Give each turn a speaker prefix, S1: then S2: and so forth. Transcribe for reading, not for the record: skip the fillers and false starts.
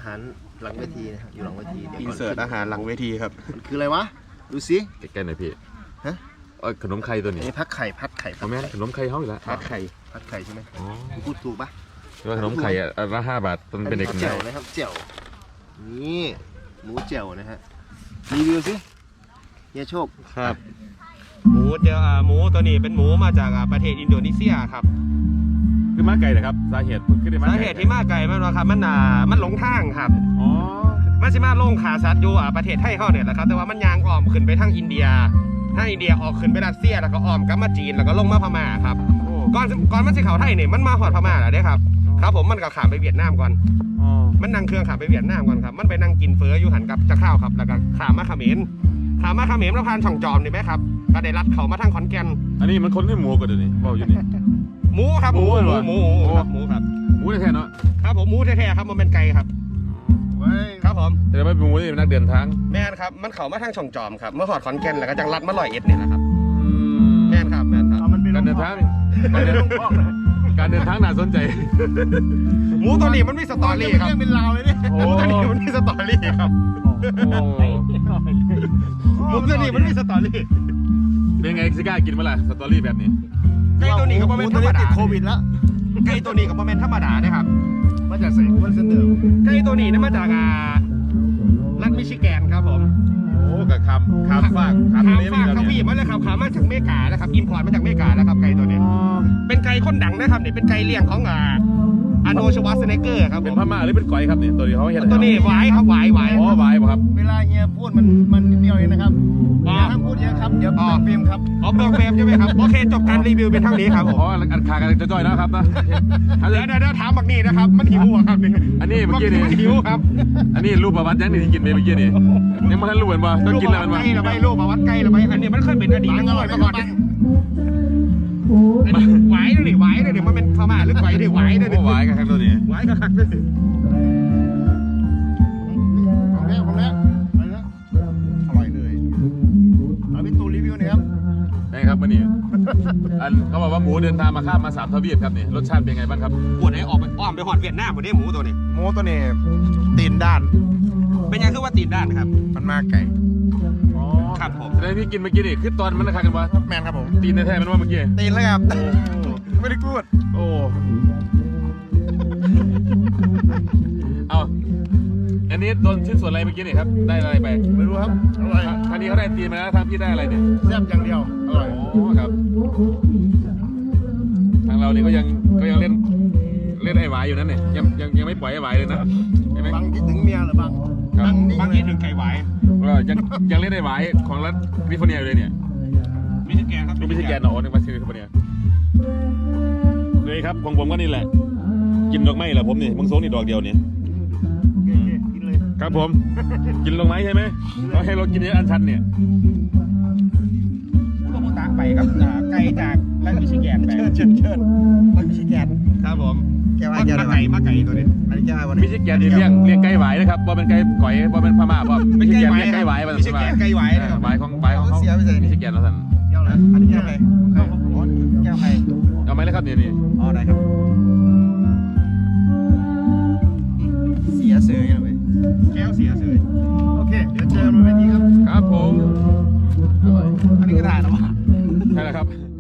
S1: ารหลังเวทีนะครับอยู่หลังเวที
S2: อินเสิร์ตอาหารหลังเวทีครับ
S1: มันคืออะไรวะดูสิ
S3: ใกล้ๆหน่อยพี่
S1: ฮะ
S3: ขนมไข่ตัวนี้
S1: พัดไข่
S3: แม่ขนมไข่เขาอีกแล้ว
S1: พัดไข่ใช่ไหมพูดถูกปะ
S3: ว่าขนมไข่ละ5 บาทมันเป็นเด็ก
S1: เจียวนะครับเจียวนี่หมูเจียวนะฮะรีวิวสิเฮียโชค
S2: ครับหมูเจียวหมูตัวนี้เป็นหมูมาจากประเทศอินโดนีเซียครับ
S3: คือมาไก่นะครับสาเหตุ
S2: ที่มาไก่มันครับมันหลงทางครับ
S3: อ๋อ
S2: มันสิมาลงขาซัดอยู่ประเทศไทยเขาเนี่ยแหละครับแต่ว่ามันยางอ้อมขึ้นไปทางอินเดียออกขึ้นไปรัสเซียแล้วก็อ้อมกลับมาจีนแล้วก็ลงมาพม่าครับก่อนมันสิเข้าไทยเนี่ยมันมาหอดพม่าแล้วเด้ครับครับผมมันก็ข้ามไปเวียดนามก่อนมันนั่งเครื่องข้ามไปเวียดนามก่อนครับมันไปนั่งกินเฟออยู่หันกับจะข้าวครับแล้วก็ข้ามมาเขมรแล้วผ่านช่องจอมนี่ไหมครับก็ได้รัดเขามาทางขอนแก่น
S3: อันนี้มันคนให้หมูกันเดี๋ยวนี้บอกอยู่นี่
S2: หมูครับหมูครับห
S3: มูแท้ๆเนาะ
S2: ครับผมหมูแท้ๆครับมันเป็นไก่ครับครับผม
S3: แต่ไม่เป็นหมูนี่เป็นนักเดินทาง
S2: แม่นครับมันเขามาทางช่องจอมครับเมื่อหอดขอนแก่นแล้วก็จังรัดมา101เนี่ยนะครับแม่นครับ
S3: การเดินทางน่าสนใจ
S2: หมูตัวนี้มันมีสตอรี่ครับ
S1: เป็นราวเลยเนี่ย
S2: หมูตัวนี้มันมีสตอรี่ครับหมูตัวนี้มันมีสตอรี่
S3: เป็นไงซิก้ากินเมื่อไหร่สตอรี่แบบนี้
S2: ไก่ตัวนี้ก็เป็นธรรมดา
S1: ติดโควิดแล้ว
S2: ไก่ตัวนี้ก็เป็นธรรมดานะครับ
S1: มาจากไหนมันเสนอ
S2: ไก่ตัวนี้นี่มาจากรัฐมิชิแกนครับผม
S3: โอ้กับคำฝาก
S2: เขาวีมาเลยครับขามาจากเมกาแล้วครับอินพอร์ตมาจากเมกาแล้วครับไก่ตัวนี้เป็นไก่คนดังนะครับเนี่ยเป็นไก่เลี้ยงของอาโนชวาสเนเกอร์ครับ
S3: เป็นพม่าหรือเป็นก๋อยครับเนี่ยตัวนี้เขาเห็น
S2: ตัวนี้ไว้ครับไว้
S3: อ๋อไว้ครับ
S1: เวลาเฮียพูดมันนิดเดียวเองนะครับห้ามพูดเยอะครับเดี๋ยวเปลืองเฟรมครับ
S2: เปลืองเฟรมใช่ไหมครับโอเคจบการรีวิวเป็นเท่านี้ครับ
S3: อ๋ออัดขากันจะจ่อยนะครับนะ
S2: เดี๋ยวถามบักนี่นะครับมันหิวครับนี่
S3: อันนี้เมื่อกี้นี่
S2: หิวครับ
S3: อันนี้รูปประวัติยังนี่ที่กินไปเมื่อกี้นี่ยังไม่ทันรู้เหมือนว่าต้องกินแล้วมันว่า
S2: ใกล้หรือไม่รูปประวัติใกล้หรือไม่อันนี้มันเคยเป็นอดีตนักมวยมาก่อนไหวเลยไหวเลยมันเป็นพม่าหรือไหวเลยไหวเลย
S3: ไหวกันครับตัวนี้
S2: ไหวกันครับเลย
S1: ของแล้วอร่อยเลยเอาพี่ตูรีวิวหน่อยครับ
S3: นี่ครับวันนี้เขาบอกว่าหมูเดินทางมาข้ามมา3 ทวีปครับนี่รสชาติเป็นไงบ้างครับ
S2: ปวดไหนออกไปอ้อมไปหอดเวียดนามหมดเนี่ยหมูตัวนี้
S1: ตีนด้าน
S2: เป็นยังคือว่าตีนด้านครับ
S1: มันมาไก่
S2: ครับผม
S3: แต่ที่กินเมื่อกี้นี่คือตอนมันราคากันวะ
S1: แมนครับผม
S3: ตีนแท้ๆมันว่าเมื่อกี้
S1: ตีนแล้วครับไม่ได้พูด
S3: โอ้เอาอันนี้โดนชิ้นส่วนอะไรเมื่อกี้นี่ครับได้อะไรไป
S1: ไม่รู้ครับอร่อย
S3: ทางนี้เขาได้ตีนมาแล้วทางพี่ได้อะไรเนี่ย
S1: แซ่บอย่างเดียวอร่อย
S3: โอ้ครับทางเราเนี่ยก็ยังเล่นไอ้หวายอยู่นั่นเนี่ยยังไม่ปล่อยไอ้หวายเลยนะ
S1: ใช่ไหมบางคิดถึงเมียหรือบาง
S2: คิดถึงไก่หวาย
S3: ยังเล่นไอ้หวายของรัฐแคลิฟอร์เนียอยู่เลยเนี่ย
S2: มิชิแกนครับ
S3: มิชิแกนเนาะนึกว่าแคลิฟอร์เนียเลยครับของผมก็นี่แหละกินดอกไม้แหละผมนี่มึงโซนี่ดอกเดียวเนี่ย
S1: กินเลย
S3: ครับผมกินดอกไม้ใช่ไหมเราให้เรากินเยอะอันชันเนี่ย
S2: ก็มูตาไปครับไก่จากรัฐมิชิแกนไป
S1: เชิญรัฐมิชิแกน
S2: ครับผม
S1: แกว่า
S2: มาไก่ตัวนี้
S3: อันนี้แกว่ามิชิแกนเลี้ยงไก่หวายนะครับว่าเป็นไก่ก๋อยว่าเป็นพม่าว่ามิชิแกนเลี้ยงไก่หวาย
S2: มิชิแกนไก่หวาย
S3: นะครับหวายของเขามิชิแกนแล้วท่าน
S1: เกี่ยวนะอันนี้แก้วใครแก้วใคร
S3: เอาไหมแล้วครับนี่
S1: อ๋อได้ครับเสียเสือยังไง
S2: แก้วเสียเสือ
S1: โอเคเดี๋ยวเจอกันบนเวทีครับ
S3: ครับผม
S1: อันนี้ก็ได้แล้วมั้ง
S3: ใช่แล้วครับ